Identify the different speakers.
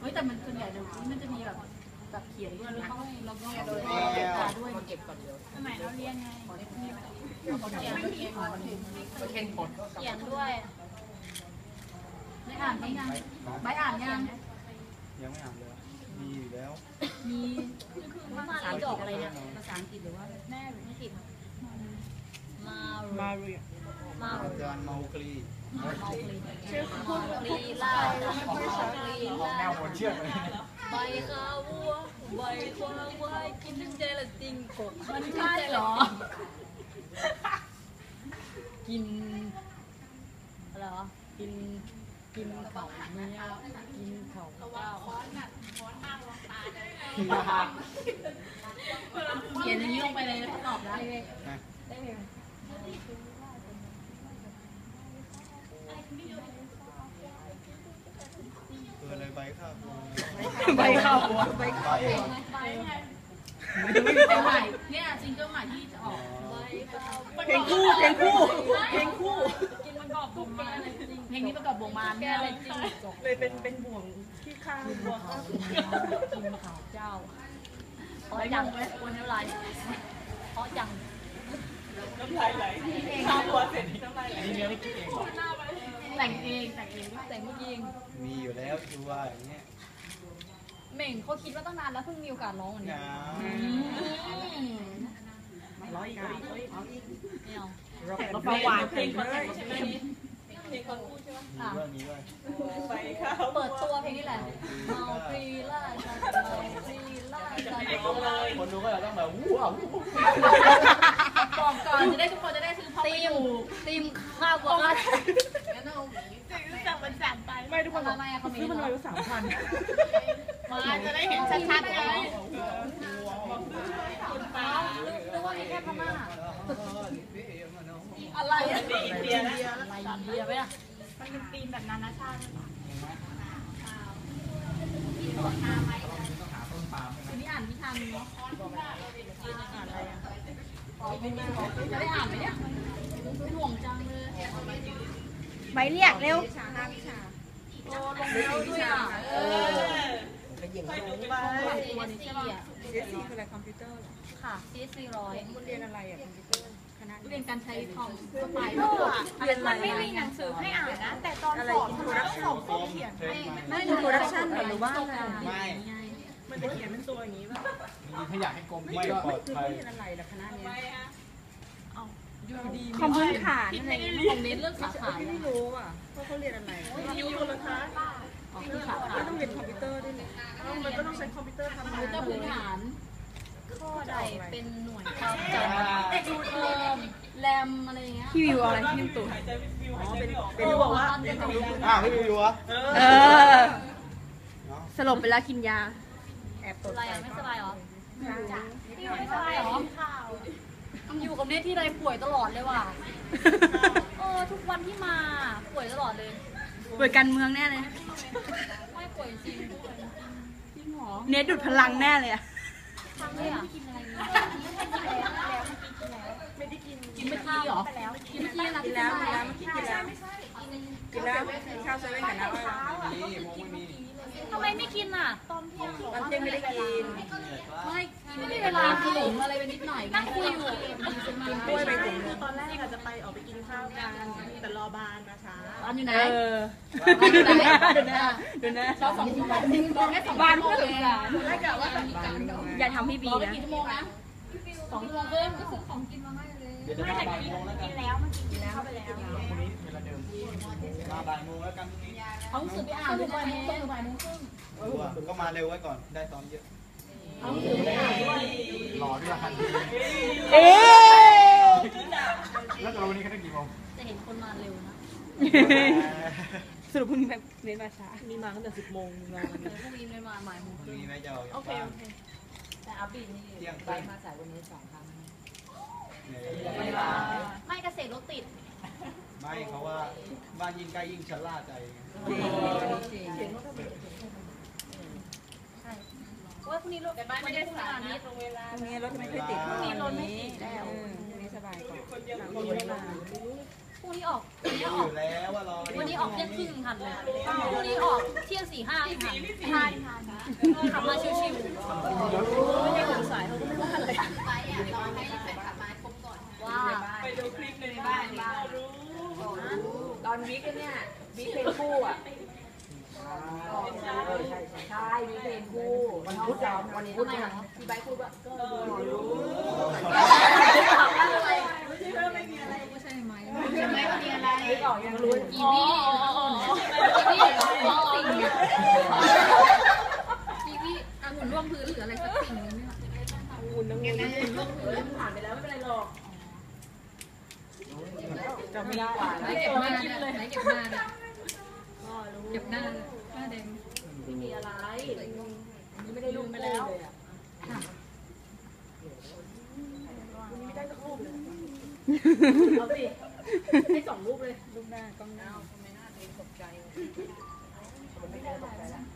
Speaker 1: ฮ้ยแต่มันส่วนใหญ่เดี๋ยวนี้มันจะมีแบบเขียนด้วยนะเราก็โดยด้วยเก็บก่อนเดียวสมัยเราเรียนไงเขียนด้วยไม่อ่านไม่ยังไม่อ่านยัง
Speaker 2: ไม่อ่านเลยมีอยู่แล้ว
Speaker 1: มีมาอะไรดอกอะไรเนี่ยภาษาอังกฤษหรือว่าแม่หรืออังกฤษมาเรีย
Speaker 2: อาจารย์เมาคลี
Speaker 1: ชื่อคุณลีลาแนวหัวเชือกเลยใบข้าววัวใบควายควายกินทั้งใจละจริงกบมันใช่เหรอกินอะไรวะกินเขาเนี่ยกินเขาเจ้าเขียนอย่างนี้ลงไปเลยแล้วตอบได้เลย
Speaker 2: อะไรใบข้าว
Speaker 1: ใบข้าวหัวใบข้าวหัวเพลงใหม่เนี่ยซิงเกิลใหม่ที่จะออกเพลงคู่กินมันกรอบบ่งมาเพลงนี้ประกอบบ่งมาแก้เลยจริงเลยเป็นบ่วงที่ข้างบัวข้าวกินข้าวเจ้าเพราะจังเลยวันน้ำลายเพราะจังน้ำลายไหลข้าวหัวเสร็จน้ำลายไหลนี่เนื้อไม่คิดเองแต่งเองแต่งเอง
Speaker 2: มีอยู่แล้วชัวร์อย่างเงี้ย
Speaker 1: เหม่งเขาคิดว่าตั้งนานแล้วเพิ่งมีโอกาสร้องวันนี้ร้อยอีกเราประวัติเพลงเลยเพลงคนพูดใช่ไหม
Speaker 2: มีด้วย
Speaker 1: เปิดตัวเพลงนี้แหละเมาปรีล่าจันเมาปรีล่าจัน
Speaker 2: คนดูก็จะต้องแบบว้าว
Speaker 1: บอกก่อนจะได้ทุกคนจะได้ซื้อพอตีมข้าวบัวก็สั่งมันสั่งไป
Speaker 3: ไม่ทุกคนบอกซื้อมันเลย3,000
Speaker 1: มาจะได้เห็นชัดๆเลยนึกว่ามีแค่พม่าอะไรอ่ะอินเดียไหมอ่ะมันเป็นธีมแบบนานาชาติทีนี้อ่านนิทานเนาะอ่านอะไรอ่ะจะได้อ่านไหมเนี่ยห่วงจังเลย
Speaker 3: ใบเรียกเร็ว
Speaker 1: โอ้ลงเร็วด้วยอ่ะ
Speaker 3: ไปดูไป
Speaker 1: วันนี้ใช่ป่ะ
Speaker 3: CSC คืออะไรคอมพิวเตอร์
Speaker 1: ค่ะ CSC 100
Speaker 3: คุณเรียนอะไรอ่ะคอมพิวเตอร์คณะ
Speaker 1: เรียนการใช้คอมก็ไป
Speaker 3: มันไม่มีหนังสือให้อ่านนะแต่ตอนสอบต้องเขียนไม่อินโทรดักชั่นหรือว่าอะไร
Speaker 2: ไม่
Speaker 3: มันจะเขียนเป็นตัวอย่างนี้ป่ะ
Speaker 2: มีถ้าอยากให้กลมไม่ปลอดภัย
Speaker 3: เรียนอะไรล่ะคณะนี้
Speaker 1: คอมพื้นฐานอะไรของเน้นเรื่องสาขา
Speaker 3: ไม่รู้อ่ะเพราะเขาเรียนอะไร
Speaker 1: คิวเลยคะ
Speaker 3: คือสาขาต้องเรียนคอมพิวเตอร์ด้วยเนี่ยมันก็ต้องใช้คอมพิวเตอร์ทำงาน
Speaker 1: พื้นฐานข้อใดเป็นหน่วยความจำแรมอะไรเงี้ย
Speaker 3: พี่วิวอะไรพี่วิวตู่อ๋อเป็นบอกว่า
Speaker 2: พี่วิววะ
Speaker 3: สลบไปแล้วกินยา
Speaker 1: แอบตดอะไรไม่สบายหรอพี่ไม่สบายหรออยู่กับเนทที่ไรป่วยตลอดเลยว่ะทุกวันที่มาป่วยตลอดเลย
Speaker 3: ป่วยการเมืองแน่เลย
Speaker 1: ไม่ป่วยจริงหรอ
Speaker 3: เนทดูดพลังแน่เลยอะ
Speaker 1: ทำเลยอ่ะกินอะไรไม่ได้กินไม่ข้าวหรอกินแล้ว
Speaker 3: เมื่อกี้กินแล้วข้าวเซเว่นกับน้ำอะไร
Speaker 1: ทำไมไม่กินอ่ะ
Speaker 3: ตอนเที่ยงไม่ได้กิน
Speaker 1: ไม่มีเวลาขนมอะไรไปนิดหน่อยนั่งคุยอยู่
Speaker 3: กินกล้วยไปถึง
Speaker 4: ตอนแรกอาจจะไปออกไปกินข้าวกันแต่รอบานมาช้า
Speaker 1: บ้านอยู่ไหน
Speaker 3: ดูนะ
Speaker 1: ชอบ2 ชั่วโมงแค่2 บ้านเพื่อน
Speaker 4: ไม่กะว่า
Speaker 3: อย่าทำพี่บี
Speaker 1: นะกี่ชั่วโมงนะ2 ชั่วโมงเพิ่มก็ซื้อของกินมาให้เลย
Speaker 4: ไม่แต่กินแล้วมันกินเข้าไปแล้ว
Speaker 2: มาบ่ายโมงแล้วกัน
Speaker 1: เขาสื่อไปอ่านด้วยบ่ายโมงครึ่ง
Speaker 2: ก็มาเร็วไว้ก่อนได้ซ้อมเยอะ
Speaker 1: เขาสื่อไปอ่านด้วย
Speaker 2: หล่อด้วยคันแล้วเราวันนี้เขาได้กี่โมง
Speaker 1: จะเห็นคนมาเร็วนะ
Speaker 3: สรุปพรุ่งนี้แบบเน้นมาช้า
Speaker 4: มีมาตั้งแต่10 โมงมา
Speaker 1: พรุ่งนี้ไม่มาบ่ายโมงครึ่ง
Speaker 4: โอเค
Speaker 1: แต่อัพบินนี่ไปมาสายวันนี้2 ครั้งไม่เกษตรรถติด
Speaker 2: ไม่เขาว่าบ้านยิ่งใกล้ยิ่งชะล่าใจ
Speaker 1: ว่าพรุ่งนี้รถบ้านไม่ได้สายนี้ตรงเวลา
Speaker 3: พรุ่งนี้รถไม่ค่อยติดพรุ่งนี้รถไม่ติดแล้วพรุ่งนี้สบายกว่า
Speaker 1: พพรุ่งนี้ออก
Speaker 2: รู้อยู่แล้วว่ารอ
Speaker 1: วันนี้ออกเที่ยงครึ่งทันเลยพรุ่งนี้ออกเที่ยง4-5ทันขับมาชิวๆไม่ได้ถึงสายเขาก็ไม่ว่าอะไรไปอ่ะรอให้แฟนขับมาครบก่อนว่าไปดูคลิปในบ้าน
Speaker 3: ตอนวิกเนี่ยวิกเพลงคู่อ่ะใช่วิกเพลงคู่วันพุธวันพุธเนี่ยที่ใบพูดว่าก็รู้ไม่มีอะไรไม่ใช่ไหมไม่มีอะไรไม่ออกยังรู้
Speaker 1: อีนี่องุ่นร่วงพื้นหรืออะไรสักสิ่งนึงเนี่ย
Speaker 3: อุ่นน้ำเงินร่วงพื้นผ่านไปแล้วไม่เป็นไรหรอกจะไม่ได้
Speaker 1: ไหนเก็บหน้าเลยไหนเก็บหน้าเลยเก็บหน้าแดง
Speaker 3: ไม่มีอะไรอันนี้ไม่ได้รูปไปแล้ววันนี้ไม่ได้สักรูปเลยเอาสิให้2 รูปเลยรูปหน้ากล้องหน้าไม่น่าเองตกใจไม่ได้ตกใจแล้ว